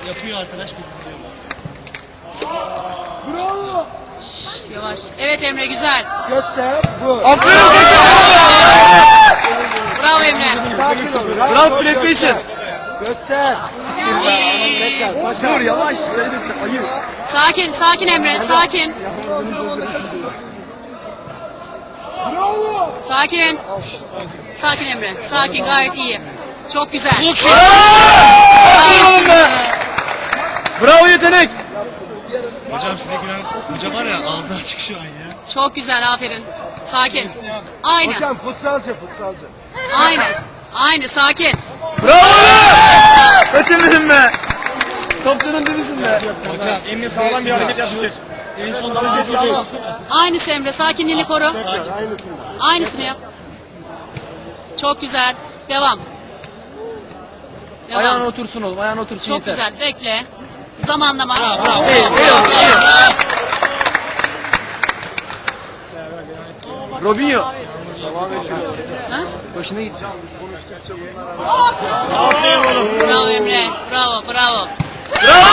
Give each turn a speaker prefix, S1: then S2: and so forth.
S1: Yapıyor arkadaş biz izliyoruz.
S2: Bravo.
S3: Yavaş. Evet Emre güzel.
S2: Göster. Bu.
S4: Aferin.
S3: Bravo Emre.
S2: Sakin ol.
S4: Bravo PlayStation.
S2: Göster.
S4: Dur yavaş. Ayı.
S3: Sakin Emre. Sakin.
S2: Bravo.
S3: Sakin. Sakin Emre. Sakin gayet iyi. Çok güzel.
S4: Bravo yetenek.
S1: Hocam size gülen hoca var ya ağzı açık şu an ya.
S3: Çok güzel aferin. Sakin. Aynen.
S2: Hocam futsalcı.
S3: Aynen. Aynı sakin.
S4: Bravo. Kaçırmadın be. Topçunun dibisin be.
S1: Hocam Emre sağlam bir hareket yaptı. En son hareket yapıyor.
S3: Aynısı Emre. Sakinliğini koru. Aynısını yap. Çok güzel. Devam.
S4: Ayağına
S3: Devam.
S4: otursun oğlum. Ayağına otursun
S3: Çok
S4: yeter.
S3: güzel. Bekle. Zamanlama.
S1: Bravo.
S4: Robinho.
S3: Ha?
S4: Başına git.
S1: Aferin oğlum.
S3: Bravo Emre. Bravo. Bravo.
S4: Bravo.